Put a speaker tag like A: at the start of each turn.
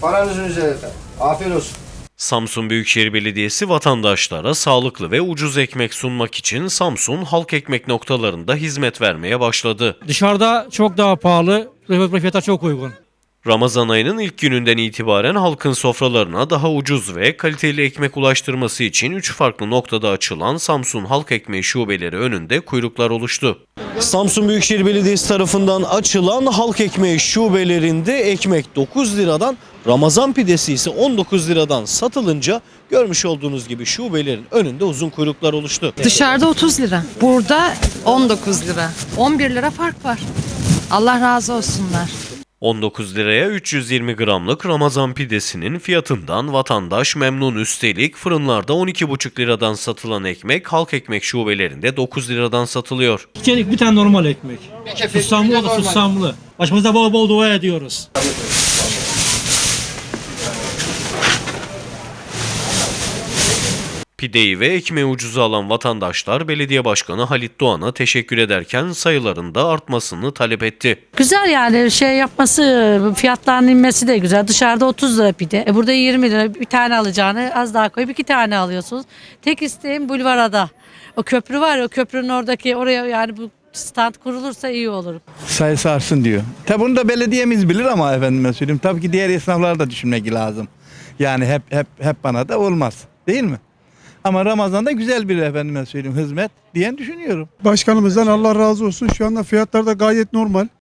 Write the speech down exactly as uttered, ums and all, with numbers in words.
A: Paranızın üzerinde. Afiyet olsun.
B: Samsun Büyükşehir Belediyesi vatandaşlara sağlıklı ve ucuz ekmek sunmak için Samsun halk ekmek noktalarında hizmet vermeye başladı.
C: Dışarıda çok daha pahalı, fiyatlar çok uygun.
B: Ramazan ayının ilk gününden itibaren halkın sofralarına daha ucuz ve kaliteli ekmek ulaştırması için üç farklı noktada açılan Samsun Halk Ekmeği şubeleri önünde kuyruklar oluştu. Samsun Büyükşehir Belediyesi tarafından açılan halk ekmeği şubelerinde ekmek dokuz liradan, Ramazan pidesi ise on dokuz liradan satılınca görmüş olduğunuz gibi şubelerin önünde uzun kuyruklar oluştu.
D: Dışarıda otuz lira, burada on dokuz lira. on bir lira fark var. Allah razı olsunlar.
B: on dokuz liraya üç yüz yirmi gramlık Ramazan pidesinin fiyatından vatandaş memnun. Üstelik fırınlarda on iki buçuk liradan satılan ekmek halk ekmek şubelerinde dokuz liradan satılıyor.
C: İçerik bir tane normal ekmek. Susamlı o da susamlı. Başımıza bol bol dua ediyoruz.
B: Pideyi ve ekmeği ucuza alan vatandaşlar belediye başkanı Halit Doğan'a teşekkür ederken sayıların da artmasını talep etti.
E: Güzel yani şey yapması, fiyatların inmesi de güzel. Dışarıda otuz lira pide. E burada yirmi lira, bir tane alacağını az daha koyup iki tane alıyorsunuz. Tek isteğim Bulvarada. O köprü var ya, o köprünün oradaki oraya yani bu stand kurulursa iyi olur.
F: Sayısı artsın diyor. Tabi bunu da belediyemiz bilir ama efendime söyleyeyim. Tabii ki diğer esnaflar da düşünmek lazım. Yani hep hep hep bana da olmaz. Değil mi? Ama Ramazan'da güzel bir efendime söyleyeyim hizmet diyen düşünüyorum.
G: Başkanımızdan Allah razı olsun. Şu anda fiyatlar da gayet normal.